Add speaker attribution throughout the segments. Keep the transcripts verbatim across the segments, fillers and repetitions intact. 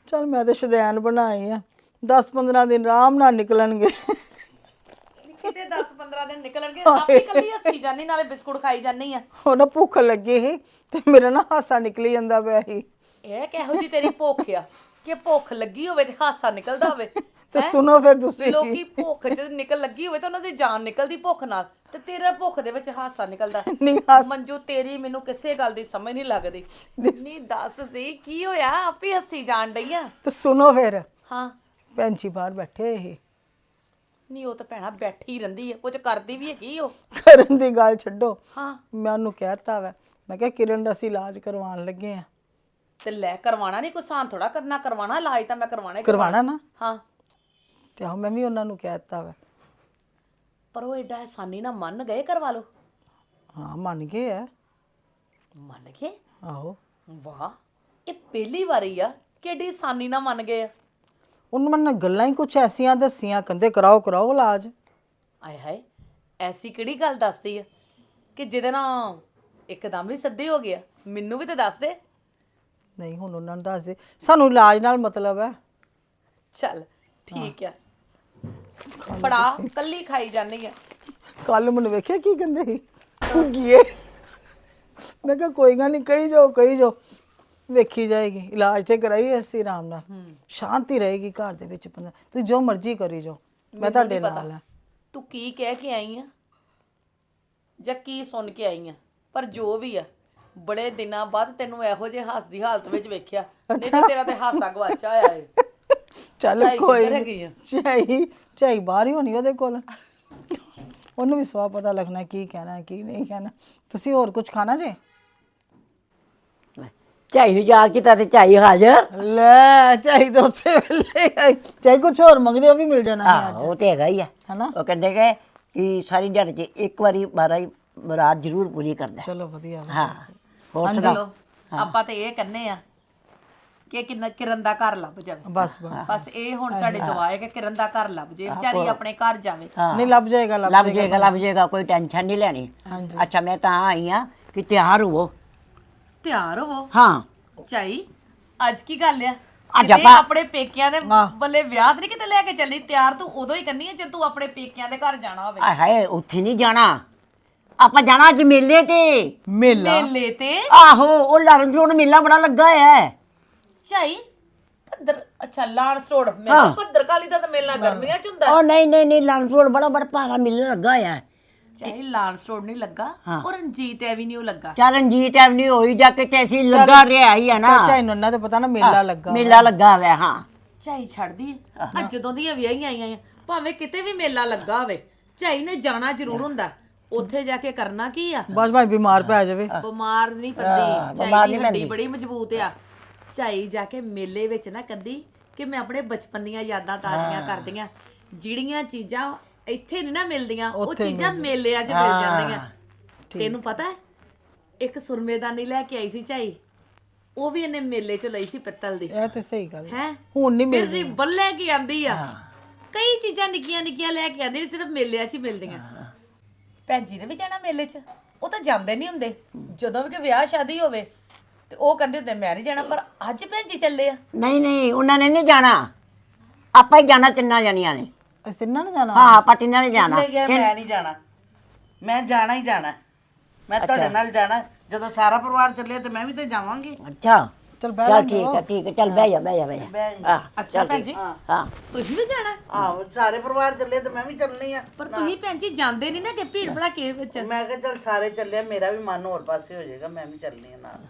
Speaker 1: चल मैं तो शदैन बनाई है दस पंद्रह दिन आराम नाल निकलणगे
Speaker 2: ਕਿਤੇ ਦਸ ਪੰਦਰਾਂ ਦਿਨ ਨਿਕਲਣਗੇ ਆਪੇ ਕੱਲੀ ਹੱਸੀ ਜਾਨੀ ਨਾਲੇ ਬਿਸਕੁਟ ਖਾਈ ਜਾਨੀ ਆ
Speaker 1: ਉਹ ਨਾ ਭੁੱਖ ਲੱਗੀ ਸੀ ਤੇ ਮੇਰਾ ਨਾ ਹਾਸਾ ਨਿਕਲੀ ਜਾਂਦਾ ਪਿਆ ਸੀ
Speaker 2: ਇਹ ਕਿਹੋ ਜੀ ਤੇਰੀ ਭੁੱਖ ਆ ਕਿ ਭੁੱਖ ਲੱਗੀ ਹੋਵੇ ਤੇ ਹਾਸਾ ਨਿਕਲਦਾ ਹੋਵੇ
Speaker 1: ਤੇ ਸੁਣੋ ਫਿਰ ਤੁਸੀਂ
Speaker 2: ਲੋਕੀ ਭੁੱਖ ਚ ਨਿਕਲ ਲੱਗੀ ਹੋਵੇ ਤਾਂ ਉਹਨਾਂ ਦੀ ਜਾਨ ਨਿਕਲਦੀ ਭੁੱਖ ਨਾਲ ਤੇ ਤੇਰਾ ਭੁੱਖ ਦੇ ਵਿੱਚ ਹਾਸਾ ਨਿਕਲਦਾ
Speaker 1: ਨਹੀਂ ਹਾਸ
Speaker 2: ਮੰਜੂ ਤੇਰੀ ਮੈਨੂੰ ਕਿਸੇ ਗੱਲ ਦੀ ਸਮਝ ਨਹੀਂ ਲੱਗਦੀ ਨਹੀਂ ਦੱਸ ਸੀ ਕੀ ਹੋਇਆ ਆਪੇ ਹੱਸੀ ਜਾਣ ਡਈ ਆ
Speaker 1: ਤੇ ਸੁਣੋ ਫਿਰ
Speaker 2: ਹਾਂ
Speaker 1: ਭੈਣ ਜੀ ਬਾਹਰ ਬੈਠੇ ਹੋਏ ਸੀ
Speaker 2: ਨਹੀਂ ਉਹ ਤਾਂ ਭੈਣਾ ਬੈਠੀ ਰਹਿੰਦੀ ਆ ਕੁਝ ਕਰਦੀ ਵੀ ਹੈਗੀ ਉਹ
Speaker 1: ਕਰਨ ਦੀ ਗੱਲ ਛੱਡੋ
Speaker 2: ਹਾਂ
Speaker 1: ਮੈਂ ਉਹਨੂੰ ਕਹਿਤਾ ਵਾ ਮੈਂ ਕਿਹਾ ਕਿਰਨ ਦਾ ਅਸੀਂ ਇਲਾਜ ਕਰਵਾਉਣ ਲੱਗੇ ਆ
Speaker 2: ਤੇ ਲੈ ਕਰਵਾਣਾ ਨਹੀਂ ਕੋਈ ਸਾਨ ਥੋੜਾ ਕਰਨਾ ਕਰਵਾਣਾ ਇਲਾਜ ਤਾਂ ਮੈਂ ਕਰਵਾਣਾ ਹੀ
Speaker 1: ਕਰਵਾਣਾ ਨਾ
Speaker 2: ਹਾਂ
Speaker 1: ਤੇ ਆਹ ਮੈਂ ਵੀ ਉਹਨਾਂ ਨੂੰ ਕਹਿਤਾ ਵਾ
Speaker 2: ਪਰ ਉਹ ਐਡਾ ਆਸਾਨੀ ਨਾਲ ਮੰਨ ਗਏ ਕਰਵਾ ਲਓ
Speaker 1: ਹਾਂ ਮੰਨ ਗਏ ਆ
Speaker 2: ਮੰਨ ਗਏ
Speaker 1: ਆਹੋ
Speaker 2: ਵਾਹ ਇਹ ਪਹਿਲੀ ਵਾਰੀ ਆ ਕਿ ਐਡੀ ਆਸਾਨੀ ਨਾਲ ਮੰਨ ਗਏ ਆ
Speaker 1: ਉਹਨੂੰ ਮੈਨੂੰ ਗੱਲਾਂ ਹੀ ਕੁਛ ਐਸੀਆਂ ਦੱਸੀਆਂ ਕਹਿੰਦੇ ਕਰਾਓ ਕਰਾਓ ਇਲਾਜ
Speaker 2: ਆਏ ਹਾਏ ਐਸੀ ਕਿਹੜੀ ਗੱਲ ਦੱਸਦੀ ਆ ਕਿ ਜਿਹਦੇ ਨਾਲ ਇੱਕਦਮ ਹੀ ਸੱਦੇ ਹੋ ਗਿਆ ਮੈਨੂੰ ਵੀ ਤਾਂ ਦੱਸ ਦੇ
Speaker 1: ਨਹੀਂ ਹੁਣ ਉਹਨਾਂ ਨੂੰ ਦੱਸ ਦੇ ਸਾਨੂੰ ਇਲਾਜ ਨਾਲ ਮਤਲਬ ਹੈ
Speaker 2: ਚੱਲ ਠੀਕ ਆ ਫੜਾ ਕੱਲੀ ਖਾਈ ਜਾਨੀ ਆ
Speaker 1: ਕੱਲ ਮੈਨੂੰ ਵੇਖਿਆ ਕੀ ਕਹਿੰਦੇ ਸੀ ਭੁੱਗੀਏ ਮੈਂ ਕਿਹਾ ਕੋਈ ਗੱਲ ਨਹੀਂ ਕਹੀ ਜਾਓ ਕਹੀ ਜਾਓ ਵੇਖੀ ਜਾਏਗੀ ਇਲਾਜ ਤੇ ਕਰਾਈ ਅਸੀਂ ਆਰਾਮ ਨਾਲ ਸ਼ਾਂਤੀ ਰਹੇਗੀ ਘਰ ਦੇ ਵਿੱਚ ਬੰਦਾ ਤੁਸੀਂ ਜੋ ਮਰਜ਼ੀ ਕਰੀ ਜਾਓ ਮੈਂ ਤੁਹਾਡੇ ਨਾਲ ਹਾਂ
Speaker 2: ਤੂੰ ਕੀ ਕਹਿ ਕੇ ਆਈ ਆ ਜਾਂ ਕੀ ਸੁਣ ਕੇ ਆਈ ਆ ਪਰ ਜੋ ਵੀ ਆ ਬੜੇ ਦਿਨਾਂ ਬਾਅਦ ਤੈਨੂੰ ਇਹੋ ਜਿਹੇ ਹੱਸਦੀ ਹਾਲਤ ਵਿੱਚ ਵੇਖਿਆ ਨਹੀਂ ਤਾਂ ਤੇਰਾ ਤੇ ਹਾਸਾ ਗਵਾਚਾ ਹੋਇਆ ਏ
Speaker 1: ਚੱਲ
Speaker 2: ਝਾਈ
Speaker 1: ਕੋਈ
Speaker 2: ਕਿੱਧਰ ਹੈਗੀ ਆ?
Speaker 1: ਚਾਈ ਚਾਈ ਬਾਹਰ ਹੀ ਹੋਣੀ ਉਹਦੇ ਕੋਲ ਉਹਨੂੰ ਵੀ ਸਵਾ ਪਤਾ ਲੱਗਣਾ ਕੀ ਕਹਿਣਾ ਕੀ ਨਹੀਂ ਕਹਿਣਾ ਤੁਸੀਂ ਹੋਰ ਕੁਝ ਖਾਣਾ ਜੇ
Speaker 3: ਝਾਈ ਨੂੰ ਯਾਦ ਕੀਤਾ ਤੇ ਝਾਈ ਹਾਜ਼ਰ
Speaker 1: ਲੈ ਚਾਈ ਤਾਂ ਉਸੇ ਵੇਲੇ ਆਈ। ਚਾਈ ਕੁਝ ਹੋਰ ਮੰਗਦੇ ਉਹ ਵੀ ਮਿਲ ਜਾਣਾ ਹੈ
Speaker 3: ਆਹ ਉਹ ਤੇ ਹੈਗਾ ਹੀ ਆ
Speaker 1: ਹਨਾ
Speaker 3: ਉਹ ਕਹਿੰਦੇ ਕਿ ਕਿ ਸਾਰੀ ਦਿਹਾੜੀ 'ਚ ਇੱਕ ਵਾਰੀ ਬਾਰਾ ਹੀ ਰਾਤ ਜ਼ਰੂਰ ਪੂਰੀ ਕਰਦਾ
Speaker 1: ਚਲੋ ਵਧੀਆ ਵਾ।
Speaker 3: ਹਾਂ ਹੋਰ
Speaker 2: ਚਲੋ
Speaker 3: ਸੁਣਾਓ
Speaker 2: ਆਪਾਂ ਤੇ ਇਹ ਕਹਿੰਨੇ ਆ ਕਿ ਕਿੰਨਾ ਕਿਰਨ ਦਾ ਘਰ ਲੱਭ ਜਾਵੇ
Speaker 1: ਬਸ ਬਸ
Speaker 2: ਬਸ ਇਹ ਹੁਣ ਸਾਡੀ ਦੁਆ ਹੈ ਕਿ ਕਿਰਨ ਦਾ ਘਰ ਲੱਭ ਜੇ ਵਿਚਾਰੀ ਆਪਣੇ ਘਰ ਜਾਵੇ
Speaker 1: ਨਹੀਂ ਲੱਭ ਜਾਏਗਾ ਲੱਭ
Speaker 3: ਲੱਭ ਜਾਏਗਾ ਲੱਭ ਜਾਏਗਾ ਕੋਈ ਟੈਨਸ਼ਨ ਨਹੀਂ ਲੈਣੀ ਅੱਛਾ ਮੈਂ ਤਾਂ ਆਈ ਆ ਕਿ ਤਿਆਰ ਹੋਵੋ
Speaker 2: ਤਿਆਰ ਹੋਵੋ
Speaker 3: ਹਾਂ
Speaker 2: ਚਾਈ ਅੱਜ ਕੀ ਗੱਲ ਆ
Speaker 3: ਅੱਜ
Speaker 2: ਕਿਤੇ
Speaker 3: ਆਪਾਂ-
Speaker 2: ਆਪਣੇ ਪੇਕਿਆਂ ਦੇ ਬੱਲੇ ਵਿਆਹ ਤੇ ਨਹੀਂ ਕਿਤੇ ਲੈ ਕੇ ਚੱਲੀ ਤਿਆਰ ਤੂੰ ਉਦੋਂ ਹੀ ਕਰਨੀ ਹੈ ਜੇ ਤੂੰ ਆਪਣੇ ਪੇਕਿਆਂ ਦੇ ਘਰ ਜਾਣਾ ਹੋਵੇ
Speaker 3: ਆਏ ਹਾਏ ਉੱਥੇ ਨਹੀਂ ਜਾਣਾ ਆਪਾਂ ਜਾਣਾ ਅੱਜ ਮੇਲੇ ਤੇ
Speaker 1: ਮੇਲਾ
Speaker 2: ਮੇਲੇ ਤੇ
Speaker 3: ਆਹੋ ਉਹ ਲਰਨ ਰੋਡ ਮੇਲਾ ਬੜਾ ਲੱਗਾ ਹੈ
Speaker 2: ਚਾਈ ਭੱਦਰ ਅੱਛਾ ਲਾਲ ਸਟੋਰ ਮੇਲਾ ਭੱਦਰ ਕਾਲੀ ਦਾ ਤਾਂ ਮੇਲਾ ਗਰਮੀਆਂ ਚ ਹੁੰਦਾ
Speaker 3: ਉਹ ਨਹੀਂ ਨਹੀਂ ਨਹੀਂ ਲਰਨ ਰੋਡ ਬੜਾ ਬੜਾ ਭਾਰਾ ਮੇਲਾ ਲੱਗਾ ਹੈ
Speaker 2: ਚਾਈ ਲਾਲ ਸਟੋਰ ਨਹੀਂ ਲੱਗਾ ਉਹ ਰਣਜੀਤ ਐਵੀਨਿਊ ਲੱਗਾ
Speaker 3: ਚੱਲ ਰਣਜੀਤ ਐਵਨਿਊ ਹੋਈ ਜਾ ਕੇ ਤੇ ਅਸੀਂ ਲੱਗਾ ਰਿਹਾ ਹੀ ਆ ਨਾ
Speaker 1: ਚਾਚਾ ਇਹਨਾਂ ਉਹਨਾਂ ਤੇ ਪਤਾ ਨਾ ਮੇਲਾ ਲੱਗਾ
Speaker 3: ਮੇਲਾ ਲੱਗਾ ਹੋਇਆ ਹਾਂ
Speaker 2: ਝਾਈ ਛੱਡਦੀ ਆ ਜਦੋਂ ਦੀਆਂ ਵਿਆਹੀਆਂ ਆਈਆਂ ਆ ਭਾਵੇਂ ਕਿਤੇ ਵੀ ਮੇਲਾ ਲੱਗਾ ਹੋਵੇ ਝਾਈ ਨੇ ਜਾਣਾ ਜ਼ਰੂਰ ਹੁੰਦਾ ਉੱਥੇ ਜਾ ਕੇ ਕਰਨਾ ਕੀ ਆ
Speaker 1: ਬਸ ਭਾਈ ਬਿਮਾਰ ਪੈ ਜਾਵੇ
Speaker 2: ਬਿਮਾਰ ਨਹੀਂ ਪੈਂਦੀ ਝਾਈ ਦੀ ਹੱਡੀ ਬੜੀ ਮਜ਼ਬੂਤ ਆ ਝਾਈ ਜਾ ਕੇ ਮੇਲੇ ਵਿੱਚ ਨਾ ਕਦੀ ਕਿ ਮੈਂ ਆਪਣੇ ਬਚਪਨ ਦੀਆਂ ਯਾਦਾਂ ਤਾਜ਼ੀਆਂ ਕਰਦੀਆਂ ਜਿਹੜੀਆਂ ਚੀਜ਼ਾਂ ਇੱਥੇ ਨਹੀਂ ਨਾ ਮਿਲਦੀਆਂ ਉਹ ਚੀਜ਼ਾਂ ਮੇਲਿਆਂ 'ਚ ਮਿਲ ਜਾਂਦੀਆਂ ਤੈਨੂੰ ਪਤਾ ਹੈ ਇੱਕ ਸੁਰਮੇਦਾਨੀ ਲੈ ਕੇ ਆਈ ਸੀ ਝਾਈ ਉਹ ਵੀ ਇਹਨੇ ਮੇਲੇ 'ਚ ਲਈ ਸੀ ਪਿੱਤਲ ਦੀ
Speaker 1: ਇਹ ਤੇ ਸਹੀ ਗੱਲ
Speaker 2: ਹੈ
Speaker 1: ਹੁਣ ਨਹੀਂ
Speaker 2: ਫਿਰ
Speaker 1: ਮਿਲਦੀ
Speaker 2: ਰਿਬਨ ਲੈ ਕੇ ਆਂਦੀ ਆ ਕਈ ਚੀਜ਼ਾਂ ਨਿੱਕੀਆਂ ਨਿੱਕੀਆਂ ਲੈ ਕੇ ਆਂਦੀ ਸਿਰਫ ਮੇਲਿਆਂ 'ਚ ਹੀ ਮਿਲਦੀਆਂ ਭੈਣ ਜੀ ਨੇ ਵੀ ਜਾਣਾ ਮੇਲੇ 'ਚ ਉਹ ਤਾਂ ਜਾਂਦੇ ਨਹੀਂ ਹੁੰਦੇ ਜਦੋਂ ਵੀ ਕੋਈ ਵਿਆਹ ਸ਼ਾਦੀ ਹੋਵੇ ਤੇ ਉਹ ਕਹਿੰਦੇ ਹੁੰਦੇ ਮੈਂ ਨਹੀਂ ਜਾਣਾ ਪਰ ਅੱਜ ਭੈਣ ਜੀ ਚੱਲੇ ਆ
Speaker 3: ਨਹੀਂ ਨਹੀਂ ਉਹਨਾਂ ਨੇ ਨਹੀਂ ਜਾਣਾ ਆਪਾਂ ਹੀ ਜਾਣਾ ਤਿੰਨਾਂ ਜਣੀਆਂ ਨੇ
Speaker 1: ਅਸੀਂ ਨਾ ਜਾਣਾ
Speaker 3: ਹਾਂ ਆਪਾਂ ਤਿੰਨਾਂ ਨੇ ਜਾਣਾ
Speaker 4: ਮੈਂ ਕਿਹਾ ਮੈਂ ਨਹੀਂ ਜਾਣਾ ਮੈਂ ਜਾਣਾ ਹੀ ਜਾਣਾ ਮੈਂ ਤੁਹਾਡੇ ਨਾਲ ਜਾਣਾ ਜਦੋਂ ਸਾਰਾ ਪਰਿਵਾਰ ਚੱਲੇ ਤੇ ਮੈਂ ਵੀ ਤੇ ਜਾਵਾਂਗੀ
Speaker 3: ਅੱਛਾ
Speaker 1: ਚਲ ਬਹਿ
Speaker 3: ਚੱਲ ਠੀਕ ਹੈ ਠੀਕ ਹੈ ਚੱਲ ਬਹਿ ਜਾ ਬਹਿ ਜਾ ਬਹਿ ਜਾ ਹਾਂ
Speaker 2: ਅੱਛਾ ਭੈਣ ਜੀ
Speaker 3: ਹਾਂ
Speaker 2: ਤੁਸੀਂ ਵੀ ਜਾਣਾ
Speaker 4: ਆਹੋ ਸਾਰੇ ਪਰਿਵਾਰ ਚੱਲੇ ਤੇ ਮੈਂ ਵੀ ਚੱਲਣੀ ਆ
Speaker 2: ਪਰ ਤੁਸੀਂ ਭੈਣ ਜੀ ਜਾਂਦੇ ਨਹੀਂ ਨਾ ਕਿ ਭੀੜ ਭੜਾਕੇ ਵਿੱਚ
Speaker 4: ਮੈਂ ਕਿਹਾ ਚੱਲ ਸਾਰੇ ਚੱਲੇ ਮੇਰਾ ਵੀ ਮਨ ਹੋਰ ਪਾਸੇ ਹੋ ਜਾਏਗਾ ਮੈਂ ਵੀ ਚੱਲਣੀ ਆ ਨਾਲ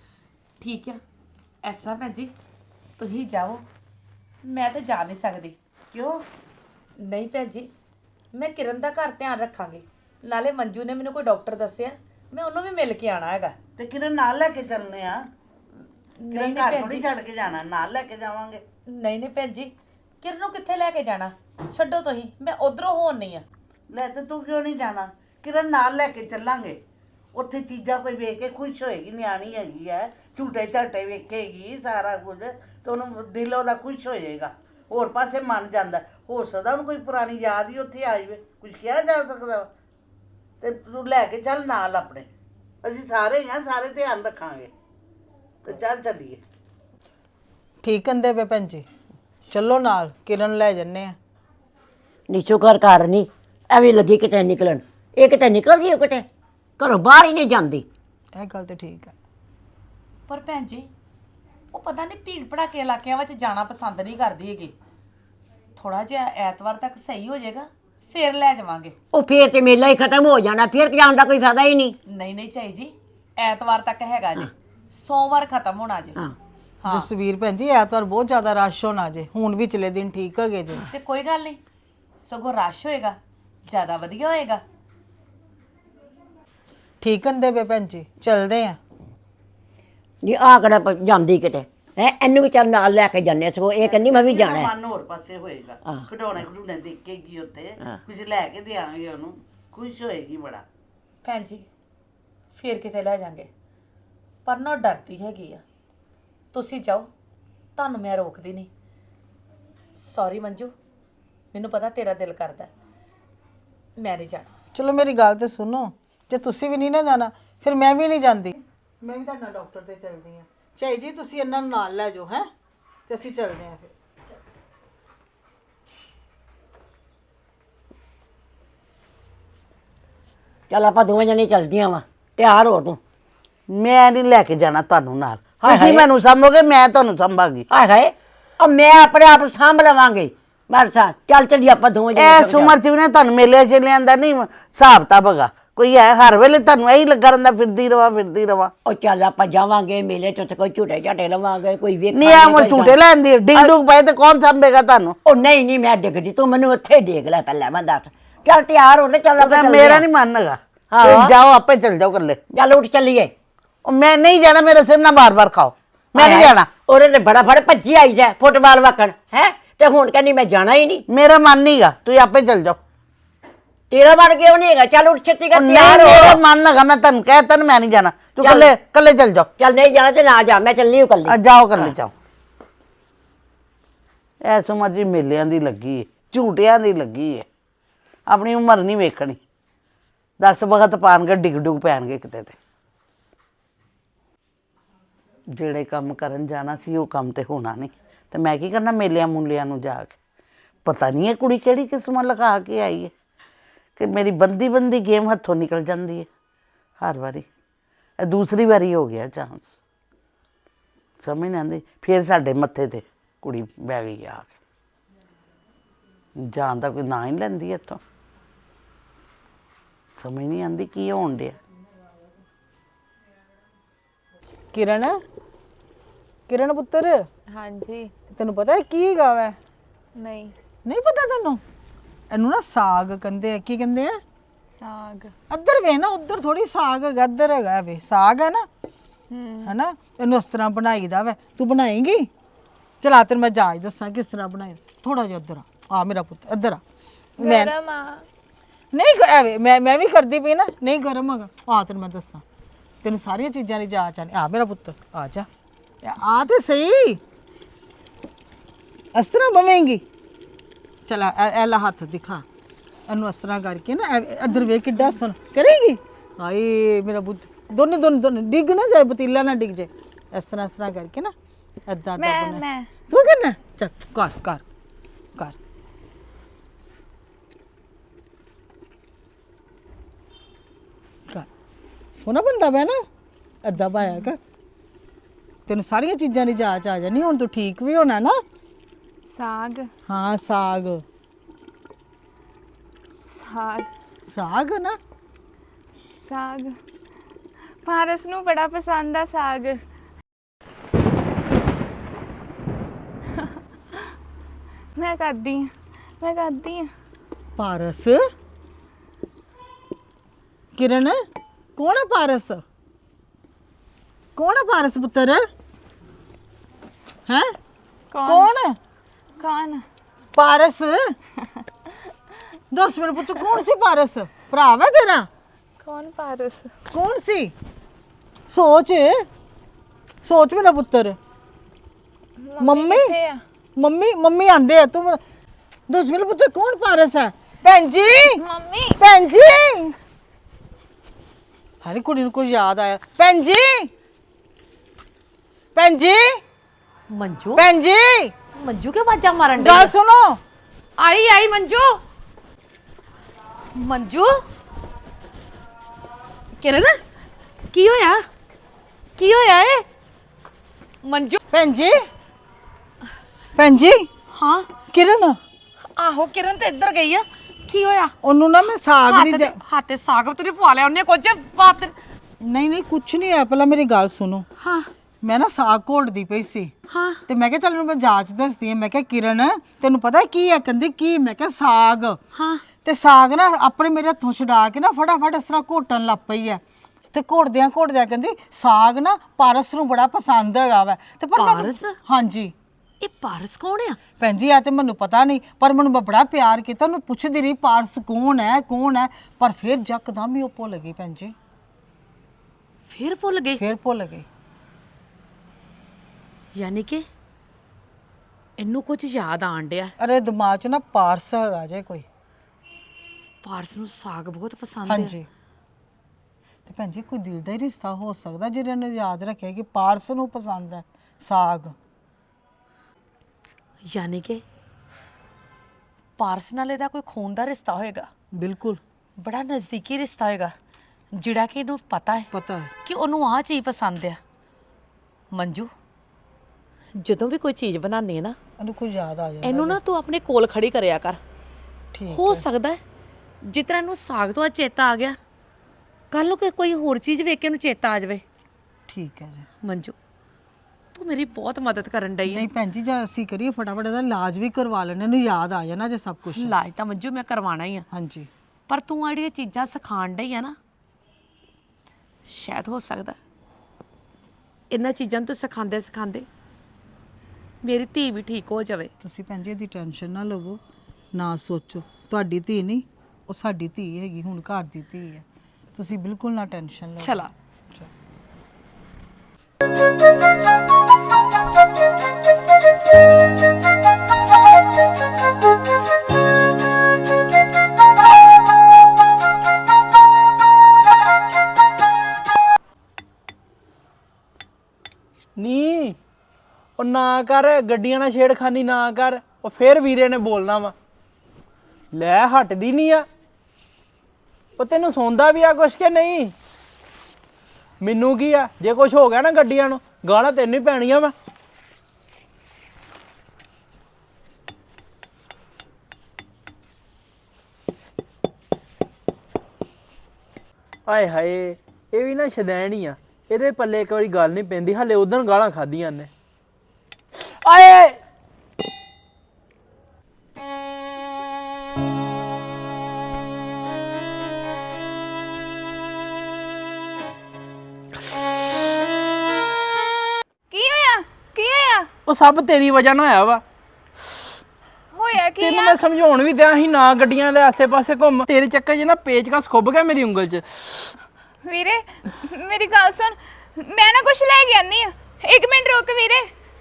Speaker 2: ਠੀਕ ਆ ਇਸ ਤਰ੍ਹਾਂ ਭੈਣ ਜੀ ਤੁਸੀਂ ਜਾਓ ਮੈਂ ਤਾਂ ਜਾ ਨਹੀਂ ਸਕਦੀ
Speaker 4: ਕਿਉਂ
Speaker 2: ਨਹੀਂ ਭੈਣ ਜੀ ਮੈਂ ਕਿਰਨ ਦਾ ਘਰ ਧਿਆਨ ਰੱਖਾਂਗੀ ਨਾਲੇ ਮੰਜੂ ਨੇ ਮੈਨੂੰ ਕੋਈ ਡਾਕਟਰ ਦੱਸਿਆ ਮੈਂ ਉਹਨੂੰ ਵੀ ਮਿਲ ਕੇ ਆਣਾ ਹੈਗਾ
Speaker 4: ਤੇ ਕਿਰਨ ਨਾਲ ਲੈ ਕੇ ਚੱਲਨੇ ਆ
Speaker 2: ਨਹੀਂ
Speaker 4: ਕਿਰਨ
Speaker 2: ਨਹੀਂ
Speaker 4: ਘਰ
Speaker 2: ਭੈਣ
Speaker 4: ਥੋੜੀ
Speaker 2: ਜੀ
Speaker 4: ਛੱਡ ਕੇ ਜਾਣਾ ਨਾਲ ਲੈ ਕੇ ਜਾਵਾਂਗੇ
Speaker 2: ਨਹੀਂ ਨਹੀਂ ਭੈਣ ਜੀ ਕਿਰਨ ਨੂੰ ਕਿੱਥੇ ਲੈ ਕੇ ਜਾਣਾ ਛੱਡੋ ਤੁਸੀਂ ਮੈਂ ਉਧਰੋਂ ਹੋਣੀ ਆ
Speaker 4: ਲੈ ਤੇ ਤੂੰ ਕਿਉਂ ਨਹੀਂ ਜਾਣਾ ਕਿਰਨ ਨਾਲ ਲੈ ਕੇ ਚੱਲਾਂਗੇ ਉੱਥੇ ਚੀਜ਼ਾਂ ਕੋਈ ਵੇਖ ਕੇ ਖੁਸ਼ ਹੋਏਗੀ ਨਿਆਣੀ ਹੈਗੀ ਹੈ ਝੂਟੇ ਝਾਟੇ ਵੇਖੇਗੀ ਸਾਰਾ ਕੁਝ ਤੇ ਉਹਨੂੰ ਦਿਲ ਉਹਦਾ ਖੁਸ਼ ਹੋ ਜਾਏਗਾ ਹੋਰ ਪਾਸੇ ਮਨ ਜਾਂਦਾ ਹੋ ਸਕਦਾ ਉਹਨੂੰ ਕੋਈ ਪੁਰਾਣੀ ਯਾਦ ਹੀ ਉੱਥੇ ਆ ਜਾਵੇ ਕੁਝ ਕਿਹਾ ਜਾ ਸਕਦਾ ਵਾ। ਤੇ ਤੂੰ ਲੈ ਕੇ ਚੱਲ ਨਾਲ ਆਪਣੇ ਅਸੀਂ ਸਾਰੇ ਹੀ ਆ ਸਾਰੇ ਧਿਆਨ ਰੱਖਾਂਗੇ ਤੇ ਚੱਲ ਚੱਲੀਏ
Speaker 1: ਠੀਕ ਕਹਿੰਦੇ ਪਏ ਭੈਣ ਜੀ, ਚੱਲੋ ਨਾਲ ਕਿਰਨ ਨੂੰ ਲੈ ਜੰਨੇ ਆ।
Speaker 3: ਨੀ ਸ਼ੁਕਰ ਕਰ ਨਹੀਂ ਐਵੇਂ ਲੱਗੀ ਕਿਤੇ ਨਿਕਲਣ, ਇਹ ਕਿਤੇ ਨਿਕਲ ਗਈ ਉਹ ਕਿਤੇ ਘਰੋਂ ਬਾਹਰ ਹੀ ਨਹੀਂ ਜਾਂਦੀ।
Speaker 1: ਇਹ ਗੱਲ ਤੇ ਠੀਕ ਹੈ।
Speaker 2: ਪਰ ਭੈਣ ਜੀ ਉਹ ਪਤਾ ਨਹੀਂ ਭੀੜ ਭੜਾਕੇ ਇਲਾਕਿਆਂ ਵਿੱਚ ਜਾਣਾ ਪਸੰਦ ਨਹੀਂ ਕਰਦੀ ਹੈਗੀ। ਥੋੜਾ ਜਿਹਾ ਐਤਵਾਰ ਤੱਕ ਸਹੀ ਹੋ ਜਾਏਗਾ ਫੇਰ ਲੈ ਜਾਵਾਂਗੇ।
Speaker 3: ਉਹ ਫੇਰ ਤੇ ਮੇਲਾ ਹੀ ਖਤਮ ਹੋ ਜਾਣਾ, ਫੇਰ ਜਾਣ ਦਾ ਕੋਈ ਫਾਇਦਾ ਹੀ ਨਹੀਂ।
Speaker 2: ਨਹੀਂ ਨਹੀਂ ਚਾਈ ਜੀ, ਐਤਵਾਰ ਤੱਕ ਹੈਗਾ ਜੀ, ਸੋਮਵਾਰ ਖਤਮ ਹੋਣਾ ਜੀ।
Speaker 3: ਹਾਂ
Speaker 1: ਜਸਵੀਰ ਭੈਣ ਜੀ ਐਤਵਾਰ ਬਹੁਤ ਜ਼ਿਆਦਾ ਰਸ਼ ਹੋਣਾ ਜੇ, ਹੁਣ ਵਿਚਲੇ ਦਿਨ ਠੀਕ ਹੈਗੇ ਜੇ।
Speaker 2: ਤੇ ਕੋਈ ਗੱਲ ਨਹੀਂ, ਸਗੋਂ ਰਸ਼ ਹੋਏਗਾ ਜ਼ਿਆਦਾ ਵਧੀਆ ਹੋਏਗਾ।
Speaker 1: ਠੀਕ ਕਹਿੰਦੇ ਪਏ ਭੈਣ ਜੀ, ਚੱਲਦੇ ਆ।
Speaker 3: ਨਹੀਂ ਆ ਕਿਹੜਾ ਪ- ਜਾਂਦੀ ਕਿਤੇ ਹੈ, ਇਹਨੂੰ ਵੀ ਚੱਲ ਨਾਲ ਲੈ ਕੇ ਜਾਂਦੇ ਸਗੋਂ ਇਹ ਕਹਿੰਦੀ ਮੈਂ ਵੀ ਜਾਣਾ ਹੈ।
Speaker 4: ਮਨ ਹੋਰ ਪਾਸੇ ਹੋਏਗਾ, ਖਿਡੌਣੇ ਖਿਡੌਣੇ ਦੇਖੇਗੀ ਉੱਤੇ, ਕੁਝ ਲੈ ਕੇ ਦੇਾਂਗੇ ਉਹਨੂੰ, ਖੁਸ਼ ਹੋਏਗੀ ਬੜਾ।
Speaker 2: ਭੈਣ ਜੀ ਫੇਰ ਕਿਤੇ ਲੈ ਜਾਾਂਗੇ, ਪਰ ਨਾ ਉਹ ਡਰਦੀ ਹੈਗੀ ਆ। ਤੁਸੀਂ ਜਾਓ, ਤੁਹਾਨੂੰ ਮੈਂ ਰੋਕਦੀ ਨਹੀਂ। ਸੌਰੀ ਮੰਜੂ, ਮੈਨੂੰ ਪਤਾ ਤੇਰਾ ਦਿਲ ਕਰਦਾ, ਮੈਂ ਨਹੀਂ ਜਾਣਾ।
Speaker 1: ਚਲੋ ਮੇਰੀ ਗੱਲ ਤੇ ਸੁਣੋ, ਜੇ ਤੁਸੀਂ ਵੀ ਨਹੀਂ ਨਾ ਜਾਣਾ ਫਿਰ ਮੈਂ ਵੀ ਨਹੀਂ ਜਾਂਦੀ। ਮੈਂ ਵੀ ਤੁਹਾਡਾ ਡਾਕਟਰ ਤੇ ਚੱਲਦੀ ਆ। ਚਾਈ ਜੀ ਤੁਸੀਂ ਇਹਨਾਂ ਨੂੰ ਨਾਲ ਲੈ ਜਾਓ, ਹੈ ਤੇ ਅਸੀਂ ਚੱਲਦੇ ਆ ਫਿਰ।
Speaker 3: ਚੱਲ ਆਪਾਂ ਦੋਵੇਂ ਜਣੇ ਚੱਲਦੀਆਂ ਵਾ, ਤਿਆਰ ਹੋ ਤੂੰ।
Speaker 4: ਮੈਂ ਨਹੀਂ ਲੈ ਕੇ ਜਾਣਾ ਤੁਹਾਨੂੰ ਨਾਲ,
Speaker 3: ਹਾਏ
Speaker 4: ਤੁਸੀਂ
Speaker 3: ਹਾਏ।
Speaker 4: ਮੈਨੂੰ ਸੰਭੋਗੇ, ਮੈਂ ਤੁਹਾਨੂੰ ਸੰਭਾਂਗੀ।
Speaker 3: ਹਾਏ ਹਾਏ ਆ ਮੈਂ ਆਪਣੇ ਆਪ ਸਾਂਭ ਲਵਾਂਗੇ ਬਸ। ਚੱਲ ਚੱਲੀ ਆਪਾਂ ਦੋਵੇਂ ਜਣੇ
Speaker 4: ਐ ਉਮਰ ਚ ਵੀ ਨਾ ਤੁਹਾਨੂੰ ਮੇਲੇ ਚ ਲਿਆਂਦਾ ਨਹੀਂ ਹਿਸਾਬ ਤਾਂ ਬਗਾ ਕੋਈ ਹੈ, ਹਰ ਵੇਲੇ ਤੁਹਾਨੂੰ ਇਹੀ ਲੱਗਾ ਰਹਿੰਦਾ ਫਿਰਦੀ ਰਵਾਂ ਫਿਰਦੀ ਰਵਾਂ।
Speaker 3: ਉਹ ਚੱਲ ਆਪਾਂ ਜਾਵਾਂਗੇ ਮੇਲੇ ਚ, ਉੱਥੇ ਕੋਈ ਝੂਟੇ ਝਾਟੇ ਲਵਾਂਗੇ, ਕੋਈ ਵੇਖਾਂਗੇ
Speaker 4: ਨਹੀਂ ਆ ਮੈਂ
Speaker 3: ਕੋਈ
Speaker 4: ਝੂਟੇ ਲੈਂਦੀ ਡਿੰਗ ਡੁਗ ਪਏ ਤੇ ਕੌਣ ਸੰਭੇਗਾ ਤੁਹਾਨੂੰ?
Speaker 3: ਉਹ ਨਹੀਂ ਨਹੀਂ ਮੈਂ ਡਿੱਗਦੀ, ਤੂੰ ਮੈਨੂੰ ਉੱਥੇ ਡੇਗ ਲੈ ਪਹਿਲਾਂ, ਮੈਂ ਦੱਸ। ਚੱਲ ਤਿਆਰ ਹੋ ਤੇ ਚੱਲ ਆਪਾਂ ਚੱਲਦੇ
Speaker 4: ਮੇਰਾ
Speaker 3: ਹਾਂ।
Speaker 4: ਨਹੀਂ ਮਨ ਹੈਗਾ,
Speaker 3: ਹਾਂ।
Speaker 4: ਤੁਸੀਂ ਜਾਓ ਆਪੇ ਚੱਲ ਜਾਓ ਇਕੱਲੇ।
Speaker 3: ਚੱਲ ਉੱਠ ਚੱਲੀਏ।
Speaker 4: ਉਹ ਮੈਂ ਨਹੀਂ ਜਾਣਾ, ਮੇਰੇ ਸਿਰ ਨਾ ਬਾਰ-ਬਾਰ ਖਾਓ, ਮੈਂ ਨਹੀਂ ਜਾਣਾ।
Speaker 3: ਉਹਦੇ ਤੇ ਬੜਾ ਫੜ ਭੱਜੀ ਆਈ ਜਾ ਫੁੱਟਬਾਲ ਵਾਕਣ ਹੈ, ਤੇ ਹੁਣ ਕਹਿੰਦੀ ਮੈਂ ਜਾਣਾ ਹੀ ਨਹੀਂ।
Speaker 4: ਮੇਰਾ ਮਨ ਨਹੀਂਗਾ, ਤੁਸੀਂ ਆਪੇ ਚੱਲ ਜਾਓ।
Speaker 3: ਤੇਰਾ ਬਣ ਕਿਉਂ ਨਹੀਂ ਹੈਗਾ? ਚੱਲ ਉੱਠ ਛੇਤੀ ਕਰ,
Speaker 4: ਨਹੀਂ
Speaker 3: ਤਿਆਰ
Speaker 4: ਮੇਰਾ
Speaker 3: ਹੋ।
Speaker 4: ਮਨ ਹੈਗਾ, ਮੈਂ ਤੁਹਾਨੂੰ ਕਹਿਤਾ ਨਾ ਮੈਂ ਨਹੀਂ ਜਾਣਾ, ਤੂੰ
Speaker 3: ਚੱਲ।
Speaker 4: ਇਕੱਲੇ ਇਕੱਲੇ ਚੱਲ ਜਾਓ।
Speaker 3: ਚੱਲ ਨਹੀਂ ਜਾਣਾ ਤੇ ਨਾ ਜਾ, ਮੈਂ ਚੱਲਣੀ ਹੂੰ
Speaker 4: ਆ
Speaker 3: ਕੱਲੀ।
Speaker 4: ਜਾਓ ਇਕੱਲੇ ਜਾਓ। ਐਸ ਉਮਰ ਜੀ ਮੇਲਿਆਂ ਦੀ ਲੱਗੀ ਹੈ, ਝੂਟਿਆਂ ਦੀ ਲੱਗੀ ਹੈ, ਆਪਣੀ ਉਮਰ ਨਹੀਂ ਵੇਖਣੀ। ਦਸ ਵਕਤ ਪਾਣਗੇ ਡਿੱਗ ਡੁੱਗ ਪੈਣਗੇ ਕਿਤੇ ਤੇ। ਜਿਹੜੇ ਕੰਮ ਕਰਨ ਜਾਣਾ ਸੀ ਉਹ ਕੰਮ ਤੇ ਹੋਣਾ ਨਹੀਂ, ਤੇ ਮੈਂ ਕੀ ਕਰਨਾ ਮੇਲਿਆਂ ਮੂਲਿਆਂ ਨੂੰ ਜਾ ਕੇ। ਪਤਾ ਨਹੀਂ ਇਹ ਕੁੜੀ ਕਿਹੜੀ ਕਿਸਮਤ ਲਗਾ ਕੇ ਆਈ ਹੈ ਕਿ ਮੇਰੀ ਬੰਦੀ ਬੰਦੀ ਗੇਮ ਹੱਥੋਂ ਨਿਕਲ ਜਾਂਦੀ ਹੈ ਹਰ ਵਾਰੀ। ਇਹ ਦੂਸਰੀ ਵਾਰੀ ਹੋ ਗਿਆ ਚਾਂਸ, ਸਮਝ ਨਹੀਂ ਆਉਂਦੀ। ਫਿਰ ਸਾਡੇ ਮੱਥੇ ਤੇ ਕੁੜੀ ਬਹਿ ਗਈ ਆ ਕੇ, ਜਾਣ ਦਾ ਕੋਈ ਨਾਂ ਹੀ ਨਹੀਂ ਲੈਂਦੀ ਇੱਥੋਂ। ਸਮਝ ਨਹੀਂ ਆਉਂਦੀ ਕੀ ਹੋਣ ਡਿਆ।
Speaker 1: ਕਿਰਨ, ਕਿਰਨ ਪੁੱਤਰ,
Speaker 5: ਹਾਂਜੀ।
Speaker 1: ਤੈਨੂੰ ਪਤਾ ਹੈ ਕੀ ਹੈਗਾ ਵੈ?
Speaker 5: ਨਹੀਂ।
Speaker 1: ਨਹੀਂ ਪਤਾ ਤੈਨੂੰ? ਇਹਨੂੰ ਨਾ ਸਾਗ ਕਹਿੰਦੇ ਆ। ਕੀ ਕਹਿੰਦੇ ਆ?
Speaker 5: ਸਾਗ।
Speaker 1: ਇੱਧਰ ਵੇ ਨਾ, ਉੱਧਰ ਥੋੜੀ ਸਾਗ ਹੈਗਾ, ਇੱਧਰ ਹੈਗਾ ਵੇ ਸਾਗ ਹੈ ਨਾ, ਹੈਨਾ। ਇਹਨੂੰ ਇਸ ਤਰ੍ਹਾਂ ਬਣਾਈਦਾ ਵੈ। ਤੂੰ ਬਣਾਏਂਗੀ? ਚਲਾ ਤੈਨੂੰ ਮੈਂ ਜਾਚ ਦੱਸਾਂ ਕਿਸ ਤਰ੍ਹਾਂ ਬਣਾਈ। ਥੋੜਾ ਜਿਹਾ ਇੱਧਰ ਆ, ਆ ਮੇਰਾ ਪੁੱਤ ਇੱਧਰ ਆ। ਮੈਂ
Speaker 5: ਗਰਮ ਆ।
Speaker 1: ਨਹੀਂ ਕਰਿਆ ਵੇ, ਮੈਂ ਮੈਂ ਵੀ ਕਰਦੀ ਪਈ ਨਾ। ਨਹੀਂ ਗਰਮ ਹੈਗਾ, ਆ ਤੈਨੂੰ ਮੈਂ ਦੱਸਾਂ, ਤੈਨੂੰ ਸਾਰੀਆਂ ਚੀਜ਼ਾਂ ਦੀ ਜਾਚ ਆਣੀ। ਆ ਮੇਰਾ ਪੁੱਤ ਆ ਜਾ, ਆ ਤੇ ਸਹੀ ਇਸ ਤਰ੍ਹਾਂ ਬਵੇਂਗੀ। ਚਲਾ ਇਹ ਲਾ ਹੱਥ ਦਿਖਾ ਇਹਨੂੰ, ਇਸ ਤਰ੍ਹਾਂ ਕਰਕੇ ਨਾ ਇੱਧਰ ਵੇ ਕਿੱਡਾ ਸੁਣ ਕਰੇਗੀ। ਹਾਏ ਮੇਰਾ ਪੁੱਤ, ਦੋਨੇ ਦੋਨੇ ਦੋਨੇ ਡਿੱਗ ਨਾ ਜਾਏ, ਪਤੀਲਾ ਨਾ ਡਿੱਗ ਜਾਏ। ਇਸ ਤਰ੍ਹਾਂ ਇਸ ਤਰ੍ਹਾਂ ਕਰਕੇ ਨਾ ਏਦਾਂ
Speaker 5: ਮੈਂ
Speaker 1: ਏਦਾਂ
Speaker 5: ਮੈਂ
Speaker 1: ਤੂੰ ਕਰਨਾ। ਚੱਲ ਕਰ ਕਰ ਕਰ। ਕਰ ਸੋਹਣਾ ਬਣਦਾ ਪਿਆ ਨਾ, ਏਦਾਂ ਪਾਇਆ ਕਰ, ਤੈਨੂੰ ਸਾਰੀਆਂ ਚੀਜ਼ਾਂ ਦੀ ਜਾਚ ਆ ਜਾਣੀ। ਹੁਣ ਤੂੰ ਠੀਕ ਵੀ ਹੋਣਾ ਨਾ।
Speaker 5: ਸਾਗ।
Speaker 1: ਹਾਂ ਸਾਗ,
Speaker 5: ਸਾਗ।
Speaker 1: ਸਾਗ ਨਾ।
Speaker 5: ਸਾਗ ਪਾਰਸ ਨੂੰ ਬੜਾ ਪਸੰਦ ਆ ਸਾਗ। ਮੈਂ ਕਰਦੀ ਹਾਂ, ਮੈਂ ਕਰਦੀ ਹਾਂ।
Speaker 1: ਪਾਰਸ? ਕਿਰਨ, ਕੌਣ ਹੈ ਪਾਰਸ? ਕੌਣ ਹੈ ਪਾਰਸ ਪੁੱਤਰ? ਹੈ
Speaker 5: ਕੌਣ
Speaker 1: ਕੌਣ ਹੈ
Speaker 5: ਕੌਣ?
Speaker 1: ਪਾਰਸ? ਦੱਸ ਮੇਰੇ ਪੁੱਤ, ਕੌਣ ਸੀ ਪਾਰਸ? ਭਰਾ ਵਾ ਤੇਰਾ?
Speaker 5: ਕੌਣ ਪਾਰਸ?
Speaker 1: ਕੌਣ ਸੀ? ਸੋਚ ਸੋਚ ਮੇਰਾ ਪੁੱਤਰ। ਮੰਮੀ
Speaker 5: ਕਿੱਥੇ ਆ?
Speaker 1: ਮੰਮੀ ਮੰਮੀ ਆਂਦੇ ਆ। ਤੂੰ ਦੱਸ ਮੇਰੇ ਪੁੱਤਰ ਕੌਣ ਪਾਰਸ ਹੈ? ਭੈਣ ਜੀ,
Speaker 5: ਮੰਮੀ।
Speaker 1: ਭੈਣ ਜੀ। ਹਰੀ ਕੁੜੀ ਨੂੰ ਕੁਝ ਯਾਦ ਆਇਆ। ਭੈਣ ਜੀ, ਭੈਣ ਜੀ,
Speaker 2: ਮੰਜੂ
Speaker 1: ਭੈਣ ਜੀ
Speaker 2: ਮੰਜੂ ਕੇ ਆਵਾਜ਼ਾਂ ਮਾਰਨ ਡਈ
Speaker 1: ਗੱਲ
Speaker 2: ਆ?
Speaker 1: ਸੁਣੋ।
Speaker 2: ਆਈ ਆਈ ਮੰਜੂ ਮੰਜੂ ਕਿਰਨ ਕੀ ਹੋਇਆ ਕੀ ਹੋਇਆ ਏ ਮੰਜੂ
Speaker 1: ਭੈਣ ਜੀ ਭੈਣ ਜੀ
Speaker 2: ਹਾਂ
Speaker 1: ਕਿਰਨ
Speaker 2: ਆਹੋ ਕਿਰਨ ਤੇ ਇੱਧਰ ਗਈ ਆ ਕੀ ਹੋਇਆ
Speaker 1: ਉਹਨੂੰ ਨਾ ਮੈਂ ਸਾਗ ਦੀ
Speaker 2: ਹੱਥ
Speaker 1: ਜ-
Speaker 2: ਤੇ- ਹੱਥ ਤੇ ਸਾਗ ਤੇ ਪਵਾ ਲਿਆ ਉਹਨੇ ਕੁਝ ਬਾਤ
Speaker 1: ਨਹੀਂ ਨਹੀਂ ਕੁਛ ਨਹੀਂ ਹੋਇਆ, ਪਹਿਲਾਂ ਮੇਰੀ ਗੱਲ ਸੁਣੋ।
Speaker 2: ਹਾਂ
Speaker 1: ਮੈਂ ਨਾ ਸਾਗ ਘੋਟਦੀ ਪਈ ਸੀ
Speaker 2: ਹਾਂ
Speaker 1: ਤੇ ਮੈਂ ਕਿਹਾ ਚੱਲ ਨੂੰ ਮੈਂ ਜਾਂਚ ਦੱਸਦੀ ਹਾਂ। ਮੈਂ ਕਿਹਾ ਕਿਰਨ ਤੈਨੂੰ ਪਤਾ ਕੀ ਹੈ? ਕਹਿੰਦੀ ਕੀ? ਮੈਂ ਕਿਹਾ ਸਾਗ।
Speaker 2: ਹਾਂ
Speaker 1: ਤੇ ਸਾਗ ਨਾ ਆਪਣੇ ਮੇਰੇ ਹੱਥੋਂ ਛਡਾ ਕੇ ਨਾ ਫਟਾਫਟ ਇਸ ਤਰ੍ਹਾਂ ਘੋਟਣ ਲੱਗ ਪਈ ਹੈ ਤੇ ਘੋਟਦਿਆਂ ਘੋਟਦਿਆਂ ਕਹਿੰਦੀ ਸਾਗ ਨਾ ਪਾਰਸ ਨੂੰ ਬੜਾ ਪਸੰਦ ਹੈਗਾ ਵਾ। ਤੇ ਪਰ ਮੈਨੂੰ-
Speaker 2: ਪਾਰਸ?
Speaker 1: ਹਾਂਜੀ
Speaker 2: ਇਹ ਪਾਰਸ ਕੌਣ ਆ
Speaker 1: ਭੈਣ ਜੀ ਆ ਤੇ ਮੈਨੂੰ ਪਤਾ ਨਹੀਂ, ਪਰ ਮੈਨੂੰ ਮੈਂ ਬੜਾ ਪਿਆਰ ਕੀਤਾ, ਉਹਨੂੰ ਪੁੱਛਦੀ ਰਹੀ ਪਾਰਸ ਕੌਣ ਹੈ ਕੌਣ ਹੈ, ਪਰ ਫਿਰ ਯਕਦਮ ਹੀ ਉਹ ਭੁੱਲ ਗਈ ਭੈਣ ਜੀ,
Speaker 2: ਫੇਰ ਭੁੱਲ ਗਏ
Speaker 1: ਫਿਰ ਭੁੱਲ ਗਈ।
Speaker 2: ਯਾਨੀ ਕਿ ਇਹਨੂੰ ਕੁਝ ਯਾਦ ਆਣ ਡਿਆ
Speaker 1: ਅਰੇ ਦਿਮਾਗ 'ਚ ਨਾ ਪਾਰਸ ਹੈਗਾ ਜੇ ਕੋਈ।
Speaker 2: ਪਾਰਸ ਨੂੰ ਸਾਗ ਬਹੁਤ ਪਸੰਦ ਹੈ
Speaker 1: ਹਾਂਜੀ ਤੇ ਭੈਣ ਜੀ ਕੋਈ ਦਿਲ ਦਾ ਹੀ ਰਿਸ਼ਤਾ ਹੋ ਸਕਦਾ ਜਿਹਨਾਂ ਨੂੰ ਯਾਦ ਰੱਖੇ ਕਿ ਪਾਰਸ ਨੂੰ ਪਸੰਦ ਹੈ ਸਾਗ।
Speaker 2: ਯਾਨੀ ਕਿ ਪਾਰਸ ਨਾਲ ਇਹਦਾ ਕੋਈ ਖੂਨ ਦਾ ਰਿਸ਼ਤਾ ਹੋਏਗਾ,
Speaker 1: ਬਿਲਕੁਲ
Speaker 2: ਬੜਾ ਨਜ਼ਦੀਕੀ ਰਿਸ਼ਤਾ ਹੋਏਗਾ, ਜਿਹੜਾ ਕਿ ਇਹਨੂੰ ਪਤਾ ਹੈ
Speaker 1: ਪਤਾ ਹੈ।
Speaker 2: ਕਿ ਉਹਨੂੰ ਆਹ ਚੀਜ਼ ਪਸੰਦ ਆ। ਮੰਜੂ ਜਦੋਂ ਵੀ ਕੋਈ ਚੀਜ਼ ਬਣਾਉਣੀ ਹੈ ਨਾ
Speaker 1: ਇਹਨੂੰ ਕੋਈ ਯਾਦ ਆ ਜਾਂਦਾ
Speaker 2: ਇਹਨੂੰ ਨਾ ਤੂੰ ਆਪਣੇ ਕੋਲ ਖੜੀ ਕਰਿਆ ਕਰ।
Speaker 1: ਠੀਕ
Speaker 2: ਹੋ ਸਕਦਾ ਹੈ ਜਿਸ ਤਰ੍ਹਾਂ ਇਹਨੂੰ ਸਾਗ ਤੋਂ ਅੱਜ ਚੇਤਾ ਆ ਗਿਆ, ਕੱਲ ਨੂੰ ਕਿ ਕੋਈ ਹੋਰ ਚੀਜ਼ ਵੇਖ ਕੇ ਇਹਨੂੰ ਚੇਤਾ ਆ ਜਾਵੇ।
Speaker 1: ਠੀਕ ਹੈ ਜੀ।
Speaker 2: ਮੰਜੂ ਤੂੰ ਮੇਰੀ ਬਹੁਤ ਮਦਦ ਕਰਨ ਡਈ ਹੈ।
Speaker 1: ਨਹੀਂ ਭੈਣ ਜੀ ਜੇ ਅਸੀਂ ਕਰੀਏ ਫਟਾਫਟ ਇਹਦਾ ਇਲਾਜ ਵੀ ਕਰਵਾ ਲੈਣੇ, ਇਹਨੂੰ ਯਾਦ ਆ ਜਾਣਾ ਜੇ ਸਭ ਕੁਝ।
Speaker 2: ਇਲਾਜ ਤਾਂ ਮੰਜੂ ਮੈਂ ਕਰਵਾਉਣਾ ਹੀ ਆ,
Speaker 1: ਹਾਂਜੀ
Speaker 2: ਪਰ ਤੂੰ ਆ ਜਿਹੜੀਆਂ ਚੀਜ਼ਾਂ ਸਿਖਾਣ ਡਈ ਆ ਨਾ, ਸ਼ਾਇਦ ਹੋ ਸਕਦਾ ਇਹਨਾਂ ਚੀਜ਼ਾਂ ਨੂੰ ਤੂੰ ਸਿਖਾਉਂਦੇ ਸਿਖਾਉਂਦੇ ਮੇਰੀ ਧੀ ਵੀ ਠੀਕ ਹੋ ਜਾਵੇ।
Speaker 1: ਤੁਸੀਂ ਭੈਣ ਜੀ ਇਹਦੀ ਟੈਨਸ਼ਨ ਨਾ ਲਵੋ, ਨਾ ਸੋਚੋ। ਤੁਹਾਡੀ ਧੀ ਨਹੀਂ, ਉਹ ਸਾਡੀ ਧੀ ਹੈਗੀ, ਹੁਣ ਘਰ ਦੀ ਧੀ ਹੈ। ਤੁਸੀਂ ਬਿਲਕੁਲ ਨਾ ਟੈਨਸ਼ਨ ਲਓ।
Speaker 2: ਚਲਾ
Speaker 6: ਨੀ ਉਹ ਨਾ ਕਰ, ਗੱਡੀਆਂ ਨਾਲ ਛੇੜਖਾਨੀ ਨਾ ਕਰ, ਉਹ ਫੇਰ ਵੀਰੇ ਨੇ ਬੋਲਣਾ ਵਾ। ਲੈ ਹਟਦੀ ਨਹੀਂ ਆ ਉਹ, ਤੈਨੂੰ ਸੌਂਦਾ ਵੀ ਆ ਕੁਛ ਕਿ ਨਹੀਂ? ਮੈਨੂੰ ਕੀ ਆ, ਜੇ ਕੁਛ ਹੋ ਗਿਆ ਨਾ ਗੱਡੀਆਂ ਨੂੰ ਗਾਲਾਂ ਤੈਨੂੰ ਹੀ ਪੈਣੀਆਂ ਵਾ। ਆਏ ਹਾਏ, ਇਹ ਵੀ ਨਾ ਸ਼ਦੈਣ ਹੀ ਆ, ਇਹਦੇ ਪੱਲੇ ਇੱਕ ਵਾਰੀ ਗੱਲ ਨਹੀਂ ਪੈਂਦੀ, ਹਲੇ ਉਦੋਂ ਗਾਲਾਂ ਖਾਧੀਆਂ ਨੇ। ਆਏ
Speaker 5: ਕੀ ਹੋਇਆ ਕੀ ਹੋਇਆ
Speaker 6: ਉਹ ਸਭ ਤੇਰੀ ਵਜ੍ਹਾ ਨਾਲ ਹੋਇਆ ਵਾ।
Speaker 5: ਹੋਇਆ ਕੀ
Speaker 6: ਤੈਨੂੰ
Speaker 5: ਆ
Speaker 6: ਮੈਂ ਸਮਝਾਉਣ ਵੀ ਦਿਆਂ ਸੀ ਨਾ ਗੱਡੀਆਂ ਦੇ ਆਸੇ-ਪਾਸੇ ਘੁੰਮ, ਤੇਰੇ ਚੱਕਰ 'ਚ ਨਾ ਪੇਚਕਸ ਖੁੱਭ ਗਿਆ ਮੇਰੀ ਉਂਗਲ 'ਚ।
Speaker 5: ਵੀਰੇ ਮੇਰੀ ਗੱਲ ਸੁਣ, ਮੈਂ ਨਾ ਕੁਛ ਲੈ ਕੇ ਆਨੀ ਆ, ਇੱਕ ਮਿੰਟ ਰੁਕ ਵੀਰੇ।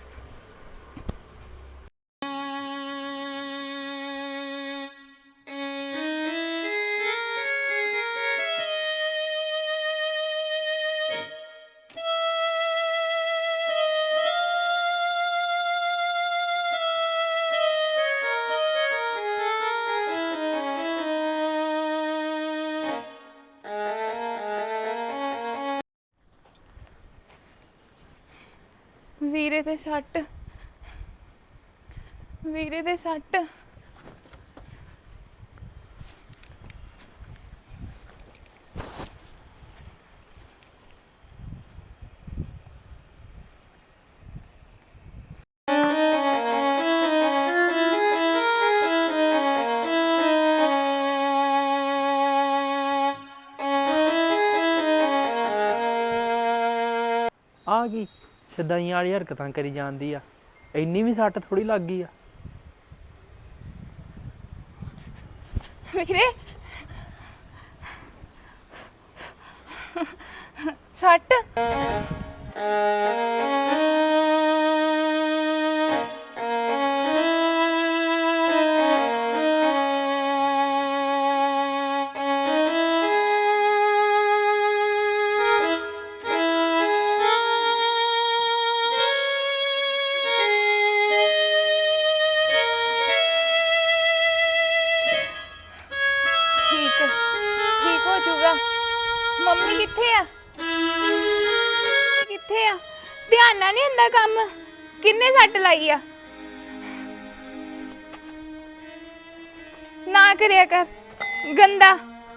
Speaker 5: ਵੀਰੇ ਤੇ ਸੱਟ ਵੀਰੇ ਤੇ ਸੱਟ
Speaker 6: ਆ ਗਈ ਸ਼ਦਾਈਆਂ ਵਾਲੀ ਹਰਕਤਾਂ ਕਰੀ ਜਾਂਦੀ ਆ, ਇੰਨੀ ਵੀ ਸੱਟ ਥੋੜੀ ਲੱਗ ਗਈ ਆ।
Speaker 5: ਵੀਰੇ ਸੱਟ ਨਹੀਂ ਹੁੰਦਾ ਕੰਮ ਕਿੰਨੇ ਸੱਟ ਲਾਈ ਆ ਨਾ ਕਰਿਆ ਕਰ ਗੰਦਾ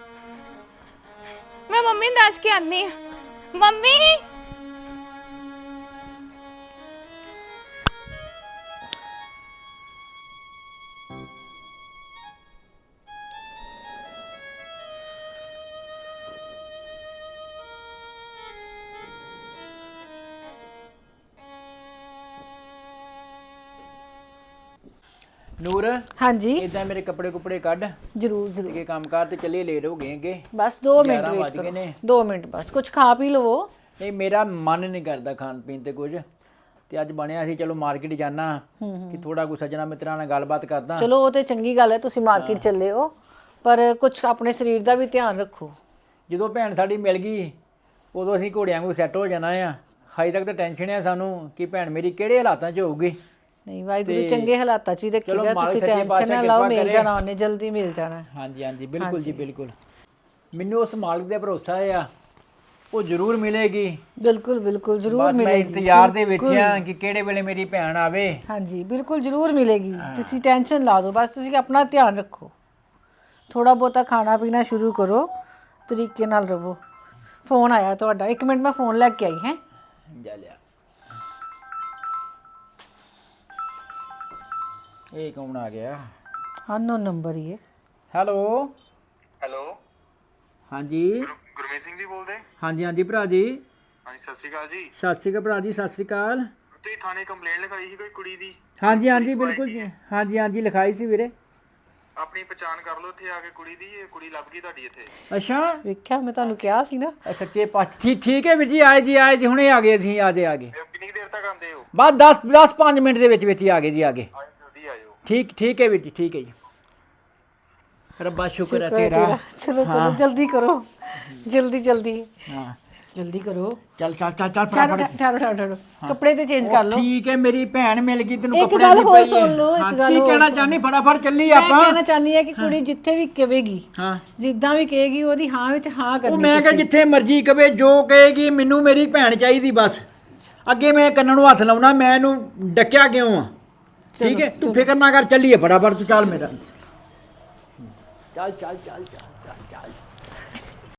Speaker 5: ਮੈਂ ਮੰਮੀ ਨੂੰ ਦੱਸ ਕੇ ਆਨੀ ਆ ਮੰਮੀ
Speaker 6: ਨੂਰ
Speaker 7: ਹਾਂਜੀ
Speaker 6: ਇਦਾਂ ਮੇਰੇ ਕੱਪੜੇ ਕੁਪੜੇ ਕੱਢ
Speaker 7: ਜਰੂਰ ਜਰੂਰ
Speaker 6: ਤੇ ਕੰਮ ਕਾਰ ਤੇ ਚੱਲੇ ਲੇਟ ਹੋ ਗਏ ਅੱਗੇ
Speaker 7: ਬਸ दो मिनट
Speaker 6: ਗਿਆਰਾਂ
Speaker 7: वेट
Speaker 6: ਵੱਜ ਗਏ
Speaker 7: करो
Speaker 6: ਨੇ।
Speaker 7: दो मिनट बस कुछ खा पी लो
Speaker 6: ਨਹੀਂ ਮੇਰਾ ਮਨ ਨਹੀਂ ਕਰਦਾ ਖਾਣ ਪੀਣ ਤੇ ਕੁਝ ਤੇ ਅੱਜ ਬਣਿਆ ਸੀ ਚਲੋ ਮਾਰਕੀਟ ਜਾਣਾ ਕਿ ਥੋੜਾ ਕੁ ਸੱਜਣਾ ਮਿੱਤਰਾਂ ਨਾਲ ਗੱਲਬਾਤ ਕਰਦਾ
Speaker 7: ਚਲੋ ਉਹ ਤੇ ਚੰਗੀ ਗੱਲ ਹੈ ਤੁਸੀਂ ਮਾਰਕੀਟ ਚੱਲੇ ਹੋ ਪਰ ਕੁਝ ਆਪਣੇ ਸਰੀਰ ਦਾ ਵੀ ਧਿਆਨ ਰੱਖੋ
Speaker 6: ਜਦੋਂ ਭੈਣ ਸਾਡੀ ਮਿਲ ਗਈ ਉਦੋਂ ਅਸੀਂ ਘੋੜਿਆਂ ਵਾਂਗੂ ਸੈੱਟ ਹੋ ਜਾਣਾ ਆ ਹਾਈ ਤੱਕ ਤਾਂ ਟੈਨਸ਼ਨ ਹੈ ਸਾਨੂੰ ਕਿ ਭੈਣ ਮੇਰੀ ਕਿਹੜੇ ਹਾਲਾਤਾਂ 'ਚ ਹੋਊਗੀ
Speaker 7: ਨਹੀਂ ਵਾਹਿਗੁਰੂ ਚੰਗੇ ਹਾਲਾਤਾਂ 'ਚ ਹੀ
Speaker 6: ਚਲੋ
Speaker 7: ਰੱਖੇਗਾ
Speaker 6: ਮਾਲਕ
Speaker 7: ਤੁਸੀਂ
Speaker 6: ਸੱਚੇ
Speaker 7: ਟੈਨਸ਼ਨ
Speaker 6: ਪਾਤਸ਼ਾਹ
Speaker 7: ਨਾ ਲਾਓ
Speaker 6: ਕਿਰਪਾ
Speaker 7: ਮਿਲ
Speaker 6: ਕਰੇ।
Speaker 7: ਜਾਣਾ ਉਹਨੇ ਜਲਦੀ ਮਿਲ ਜਾਣਾ
Speaker 6: ਹਾਂਜੀ ਹਾਂਜੀ ਬਿਲਕੁਲ ਜੀ ਬਿਲਕੁਲ ਮੈਨੂੰ ਉਸ ਮਾਲਕ ਦੇ ਭਰੋਸਾ ਆ ਉਹ ਜ਼ਰੂਰ ਮਿਲੇਗੀ
Speaker 7: ਬਿਲਕੁਲ ਬਿਲकुल ਜ਼ਰੂਰ
Speaker 6: ਬਸ ਮੈਂ
Speaker 7: ਮਿਲੇਗੀ
Speaker 6: ਇੰਤਜ਼ਾਰ ਦੇ ਵਿੱਚ ਆ ਕਿ ਕਿਹੜੇ ਵੇਲੇ ਮੇਰੀ ਭੈਣ ਆਵੇ
Speaker 7: ਹਾਂਜੀ ਬਿਲकुल ਜ਼ਰੂਰ ਮਿਲੇਗੀ ਤੁਸੀਂ ਟੈਨਸ਼ਨ ਲਾ ਦਿਓ ਬਸ ਤੁਸੀਂ ਆਪਣਾ ਧਿਆਨ ਰੱਖੋ ਥੋੜਾ ਬਹੁਤਾ ਖਾਣਾ ਪੀਣਾ ਸ਼ੁਰੂ ਕਰੋ ਤਰੀਕੇ ਨਾਲ ਰਹੋ ਫੋਨ ਆਇਆ ਤੁਹਾਡਾ ਇੱਕ ਮਿੰਟ ਮੈਂ ਫੋਨ ਲੈ ਕੇ ਆਈ ਹੈ
Speaker 6: ਜਾ ਲਿਆ ਇਹ ਕੌਣ ਆ ਗਿਆ
Speaker 7: ਅਨਨੋਨ ਨੰਬਰ ਹੀ ਹੈ
Speaker 6: ਹੈਲੋ
Speaker 8: ਹੈਲੋ
Speaker 6: ਹਾਂਜੀ
Speaker 8: ਗੁਰਮੀਤ ਸਿੰਘ ਜੀ ਬੋਲਦੇ
Speaker 6: ਹਾਂਜੀ ਹਾਂਜੀ ਭਰਾ ਜੀ
Speaker 8: ਹਾਂਜੀ ਸਤਿ ਸ਼੍ਰੀ ਅਕਾਲ ਜੀ
Speaker 6: ਸਤਿ ਸ਼੍ਰੀ ਅਕਾਲ ਭਰਾ ਜੀ ਸਤਿ ਸ਼੍ਰੀ ਅਕਾਲ
Speaker 8: ਤੁਸੀਂ ਥਾਣੇ ਕੰਪਲੇਂਟ ਲਿਖਾਈ ਸੀ ਕੋਈ ਕੁੜੀ ਦੀ
Speaker 6: ਹਾਂਜੀ ਹਾਂਜੀ ਬਿਲਕੁਲ ਜੀ ਹਾਂਜੀ ਹਾਂਜੀ ਲਿਖਾਈ ਸੀ ਵੀਰੇ
Speaker 8: ਆਪਣੀ ਪਛਾਣ ਕਰ ਲਓ ਇੱਥੇ ਆ ਕੇ ਕੁੜੀ ਦੀ ਇਹ ਕੁੜੀ ਲੱਭ ਗਈ ਤੁਹਾਡੀ ਇੱਥੇ
Speaker 6: ਅੱਛਾ
Speaker 7: ਵੇਖਿਆ ਮੈਂ ਤੁਹਾਨੂੰ ਕਿਹਾ ਸੀ ਨਾ
Speaker 6: ਇਹ ਸੱਚੇ ਪਾਤਸ਼ਾਹ ਠੀਕ ਠੀਕ ਹੈ ਵੀਰ ਜੀ ਆਏ ਜੀ ਆਏ ਜੀ ਹੁਣੇ ਆ ਗਏ ਅਸੀਂ ਆ ਗਏ ਆ ਗਏ
Speaker 8: ਇਹ ਕਿੰਨੀ ਕੁ ਦੇਰ ਤੱਕ ਆਉਂਦੇ ਹੋ
Speaker 6: ਬਸ ਦਸ ਦਸ ਪੰਜ ਮਿੰਟ ਦੇ ਵਿੱਚ ਵਿੱਚ ਹੀ ਆ ਗਏ ਜੀ ਆ ਗਏ
Speaker 8: ਆਜੋ ਜਲਦੀ ਆਜੋ
Speaker 6: ਠੀਕ ਠੀਕ ਹੈ ਵੀਰ ਜੀ ਠੀਕ ਹੈ ਜੀ ਰੱਬਾ ਸ਼ੁਕਰ ਹੈ
Speaker 7: ਸ਼ੁਕਰ ਹੈ
Speaker 6: ਤੇਰਾ
Speaker 7: ਤੇਰਾ। ਚਲੋ ਚਲੋ ਜਲਦੀ ਕਰੋ ਜਲਦੀ ਜਲਦੀ
Speaker 6: ਹਾਂ
Speaker 7: ਜਲਦੀ ਕਰੋ
Speaker 6: ਚੱਲ ਚੱਲ ਚੱਲ ਚੱਲ
Speaker 7: ਠਹਿਰੋ
Speaker 6: ਫਟਾਫਟ
Speaker 7: ਠਹਿਰੋ ਠਹਿਰੋ ਠਹਿਰੋ ਕੱਪੜੇ ਤੇ ਚੇਂਜ ਕਰ ਲਓ
Speaker 6: ਠੀਕ ਹੈ ਮੇਰੀ ਭੈਣ ਮਿਲ ਗਈ ਤੈਨੂੰ
Speaker 7: ਇੱਕ
Speaker 6: ਕੱਪੜਿਆਂ
Speaker 7: ਗੱਲ
Speaker 6: ਦੀ
Speaker 7: ਹੋਰ
Speaker 6: ਪਈ
Speaker 7: ਸੁਣ ਲਓ, ਇੱਕ
Speaker 6: ਹਾਂ,
Speaker 7: ਗੱਲ
Speaker 6: ਕੀ
Speaker 7: ਹੋਰ
Speaker 6: ਕਹਿਣਾ
Speaker 7: ਸੁਣ।
Speaker 6: ਚਾਹਨੀ ਫਟਾਫਟ ਚੱਲੀ
Speaker 7: ਮੈਂ
Speaker 6: ਆਪਾਂ
Speaker 7: ਕਹਿਣਾ ਚਾਹਨੀ ਹੈ ਕਿ ਕੁੜੀ ਜਿੱਥੇ ਵੀ ਕਹੇਗੀ
Speaker 6: ਹਾਂ
Speaker 7: ਜਿੱਦਾਂ ਵੀ ਕਹੇਗੀ ਉਹਦੀ ਹਾਂ ਵਿੱਚ ਹਾਂ
Speaker 6: ਉਹ
Speaker 7: ਕਰਨੀ
Speaker 6: ਮੈਂ ਕਿਹਾ ਜਿੱਥੇ ਮਰਜ਼ੀ ਕਵੇ ਜੋ ਕਹੇਗੀ ਮੈਨੂੰ ਮੇਰੀ ਭੈਣ ਚਾਹੀਦੀ ਬਸ ਅੱਗੇ ਮੈਂ ਕੰਨਾਂ ਨੂੰ ਹੱਥ ਲਾਉਣਾ ਮੈਂ ਇਹਨੂੰ ਡੱਕਿਆ ਕਿਉਂ ਆ ਠੀਕ ਹੈ ਤੂੰ ਫਿਕਰ ਨਾ ਕਰ ਚੱਲੀਏ ਫਟਾਫਟ ਤੂੰ ਚੱਲ ਮੇਰਾ ਚੱਲ ਚੱਲ ਚੱਲ ਚੱਲ ਚੱਲ ਚੱਲ